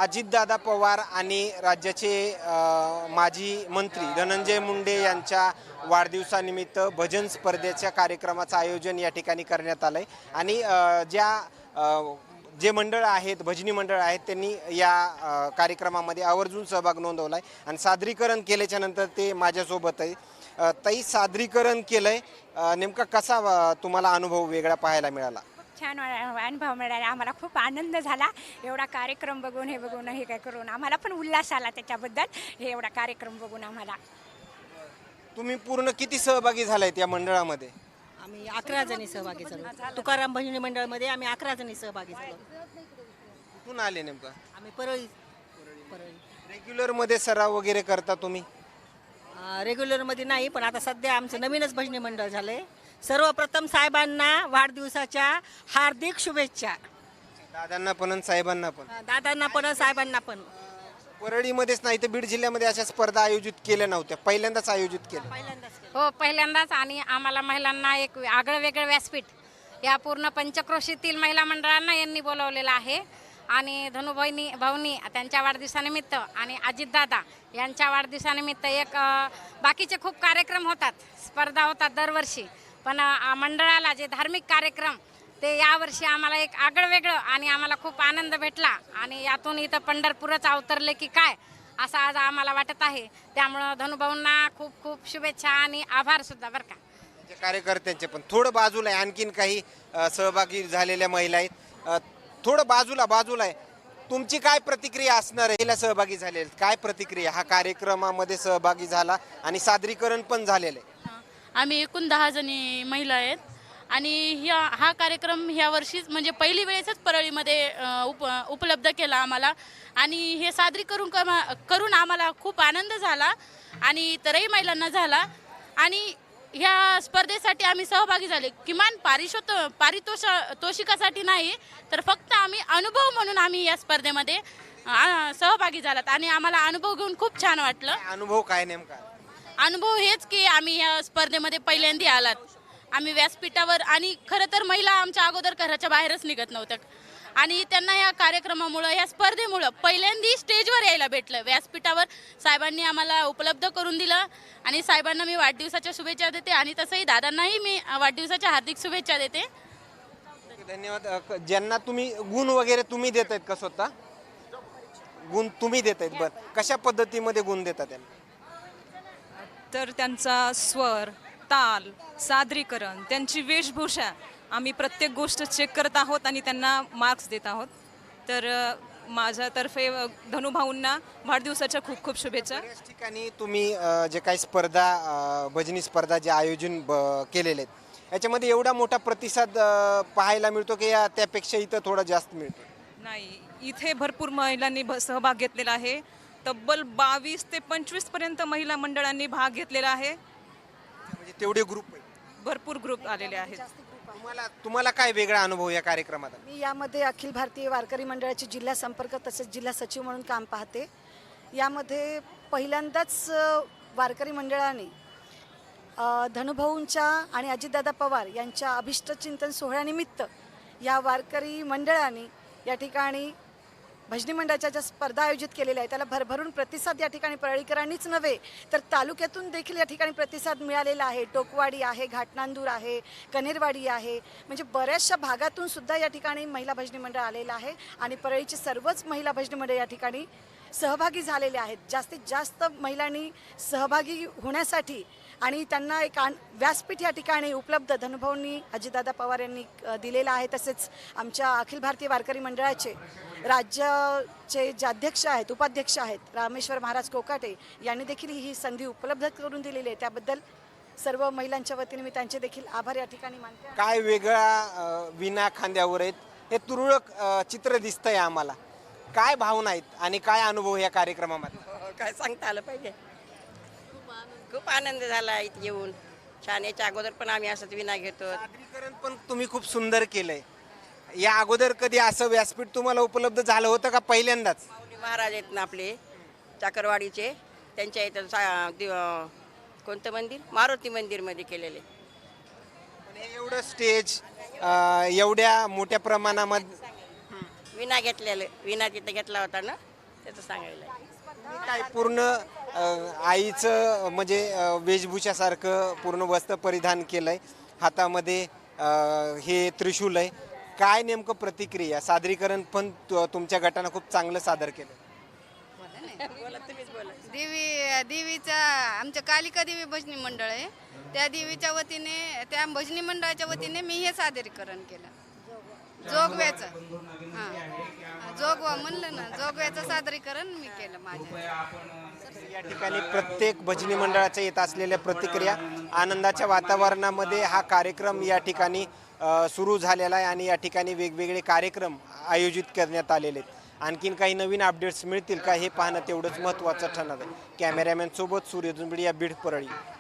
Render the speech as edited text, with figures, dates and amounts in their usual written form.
अजितदादा पवार आणि राज्याचे माजी मंत्री धनंजय मुंडे यांच्या वाढदिवसानिमित्त भजन स्पर्धेच्या कार्यक्रमाचं आयोजन या ठिकाणी करण्यात आलं आहे आणि जे मंडळ आहेत, भजनी मंडळ आहेत, त्यांनी या कार्यक्रमामध्ये आवर्जून सहभाग नोंदवला आहे आणि सादरीकरण केल्याच्या नंतर ते माझ्यासोबत आहे. ताई, सादरीकरण केलंय, नेमका कसा तुम्हाला अनुभव वेगळा पाहायला मिळाला? छान अनुभव मिळाला. आम्हाला खूप आनंद झाला एवढा कार्यक्रम बघून, हे बघून, हे काय करून आम्हाला पण उल्हास आला त्याच्याबद्दल. हे एवढा कार्यक्रम बघून आम्हाला. तुम्ही पूर्ण किती सहभागी झालायत या मंडळामध्ये? आम्ही 11 जणी सहभागी झालो. तुकाराम भजनी मंडळामध्ये आम्ही 11 जणी सहभागी झालो. कुठून आले नेमका? आम्ही परळी. रेग्युलर मध्ये सराव वगैरे करता तुम्ही? रेग्युलरमध्ये नाही, पण आता सध्या आमचं नवीनच भजनी मंडळ झालंय. सर्वप्रथम साहेबांना वाढदिवसाच्या हार्दिक शुभेच्छा. दादांना पण आणि साहेबांना पण. दादांना पण साहेबांना पण. परळीमध्येच नाही तर बीड जिल्ह्यामध्ये अशा स्पर्धा आयोजित केल्या नव्हत्या, पहिल्यांदाच आयोजित केल्या. पहिल्यांदाच हो, पहिल्यांदाच. आणि आम्हाला महिलांना एक आगळं वेगळं व्यासपीठ या पूर्ण पंचक्रोशीतील महिला मंडळांना यांनी बोलवलेलं आहे. आणि भाऊनी त्यांच्या वाढदिवसानिमित्त आणि अजितदादा यांच्या वाढदिवसानिमित्त एक बाकीचे खूप कार्यक्रम होतात, स्पर्धा होतात दरवर्षी, पण मंडळाला जे धार्मिक कार्यक्रम ते यावर्षी आम्हाला एक आगळं वेगळं आणि आम्हाला खूप आनंद भेटला. आणि यातून इथं पंढरपूरच अवतरले की काय असं आज आम्हाला वाटत आहे. त्यामुळं धनुभाऊंना खूप खूप शुभेच्छा आणि आभार सुद्धा बरं का. कार्यकर्त्यांचे पण थोडं बाजूला आहे, आणखीन काही सहभागी झालेल्या महिला आहेत. थोडं बाजूला आहे. तुमची काय प्रतिक्रिया असणार आहे? महिला सहभागी झालेल्या काय प्रतिक्रिया? हा कार्यक्रमामध्ये सहभागी झाला आणि सादरीकरण पण झालेलं आहे. आम्ही एकूण 10 जणी महिला आहेत आणि हा कार्यक्रम ह्या वर्षीच म्हणजे पहिली वेळेसच परळीमध्ये उपलब्ध केला आम्हाला. आणि हे सादरीकरण करून आम्हाला खूप आनंद झाला आणि इतरही महिलांना झाला. आणि ह्या स्पर्धेसाठी आम्ही सहभागी झाले. किमान पारितोषिकासाठी नाही, तर फक्त आम्ही अनुभव म्हणून आम्ही या स्पर्धेमध्ये सहभागी झालात आणि आम्हाला अनुभव घेऊन खूप छान वाटलं. अनुभव काय नेमका? अनुभव हेच की आम्ही या स्पर्धेमध्ये पहिल्यांदा आलात. आम्ही व्यासपीठावर, आणि खरं तर महिला आमच्या अगोदर घराच्या बाहेरच निघत नव्हत्या आणि त्यांना या कार्यक्रमामुळं, या स्पर्धेमुळं पहिल्यांदा स्टेजवर यायला भेटलं. व्यासपीठावर साहेबांनी आम्हाला उपलब्ध करून दिलं आणि साहेबांना मी वाढदिवसाच्या शुभेच्छा देते आणि तसंही दादांनाही मी वाढदिवसाच्या हार्दिक शुभेच्छा देते. धन्यवाद. ज्यांना तुम्ही गुण वगैरे तुम्ही देत आहेत का? स्वतः गुण तुम्ही देत आहेत? बरं, कशा पद्धतीमध्ये गुण देतात त्यांना? तर त्यांचा स्वर, ताल, सादरीकरण, त्यांची वेशभूषा, आम्ही प्रत्येक गोष्ट चेक करत आहोत आणि त्यांना मार्क्स देत आहोत. तर माझ्यातर्फे धनुभाऊंना वाढदिवसाच्या खूप खूप शुभेच्छा. बऱ्याच ठिकाणी तुम्ही जे काही स्पर्धा, भजनी स्पर्धा जे आयोजन केलेले आहेत, याच्यामध्ये एवढा मोठा प्रतिसाद पाहायला मिळतो की त्यापेक्षा इथं थोडा जास्त मिळतो? नाही, इथे भरपूर महिलांनी सहभाग घेतलेला आहे. तब्बल 22 ते 25 पर्यंत महिला मंडळांनी भाग घेतलेला आहे. म्हणजे तेवढे ग्रुप, भरपूर ग्रुप आलेले आहेत. तुम्हाला काय वेगळा अनुभव या कार्यक्रमात? मी यामध्ये अखिल भारतीय वारकरी मंडळाची जिल्हा संपर्क तसेच जिल्हा सचिव म्हणून काम पाहते. यामध्ये पहिल्यांदाच वारकरी मंडळाने धनुभाऊंच्या आणि अजितदादा पवार यांच्या अभिष्टचिंतन सोहळ्यानिमित्त या वारकरी मंडळाने या ठिकाणी भजनी मंडळाच्या ज्या स्पर्धा आयोजित केलेल्या आहेत त्याला भरभरून प्रतिसाद या ठिकाणी परळीकरांनीच नव्हे तर तालुक्यातून देखील या ठिकाणी प्रतिसाद मिळालेला आहे. टोकवाडी आहे, घाटनांदूर आहे, कनेरवाडी आहे, म्हणजे बऱ्याचशा भागातून सुद्धा या ठिकाणी महिला भजनी मंडळ आलेलं आहे आणि परळीची सर्वच महिला भजनी मंडळ या ठिकाणी सहभागी झालेले आहेत. जास्तीत जास्त महिलांनी सहभागी होण्यासाठी आणि त्यांना एक व्यासपीठ या ठिकाणी उपलब्ध धनुभाऊंनी, अजितदादा पवार यांनी दिलेलं आहे. तसेच आमच्या अखिल भारतीय वारकरी मंडळाचे राज्याचे जे अध्यक्ष आहेत, उपाध्यक्ष आहेत, रामेश्वर महाराज कोकाटे यांनी देखील ही संधी उपलब्ध करून दिलेली आहे. त्याबद्दल सर्व महिलांच्या वतीने मी त्यांचे देखील आभार या ठिकाणी मानते. काय वेगळा विना खांद्यावर आहेत, हे तुरळक चित्र दिसतंय आम्हाला. काय भावना आहेत आणि काय अनुभव या कार्यक्रमामध्ये? काय सांगता आलं पाहिजे. खूप आनंद झाला इथे येऊन. छान. याच्या अगोदर पण आम्ही असंच विना घेतो. सादरीकरण पण तुम्ही खूप सुंदर केलंय. या अगोदर कधी असं व्यासपीठ तुम्हाला उपलब्ध झालं होतं का पहिल्यांदाच? महाराज आहेत ना आपले चाकरवाडीचे, त्यांच्या इथं कोणतं मंदिर, मारुती मंदिरमध्ये केलेले. हे एवढं स्टेज, एवढ्या मोठ्या प्रमाणामध्ये विना घेतलेलं, विना तिथं घेतला होता ना, त्याचं सांगायला आहे. काय पूर्ण आईचं म्हणजे वेशभूषासारखं पूर्ण वस्त्र परिधान केलंय, हातामध्ये हे त्रिशूल आहे. काय नेमकं प्रतिक्रिया? सादरीकरण पण तुमच्या गटानं खूप चांगलं सादर केलं. देवीचा आमच्या कालिका देवी भजनी मंडळ आहे, त्या देवीच्या वतीने त्या भजनी मंडळाच्या वतीने मी हे सादरीकरण केलं. जोगव्याचं जोगवा म्हणलं ना, जोगव्याचं सादरीकरण मी केलं माझ्या. या ठिकाणी प्रत्येक भजनी मंडळाच्या येत असलेल्या प्रतिक्रिया, आनंदाच्या वातावरणामध्ये हा कार्यक्रम या ठिकाणी सुरू झालेला आहे आणि या ठिकाणी वेगवेगळे कार्यक्रम आयोजित करण्यात आलेले आहेत. आणखीन काही नवीन अपडेट्स मिळतील का हे पाहणं तेवढंच महत्त्वाचं ठरणार आहे. कॅमेरामॅन सोबत सूर्य दुंबडी या बीड परळी.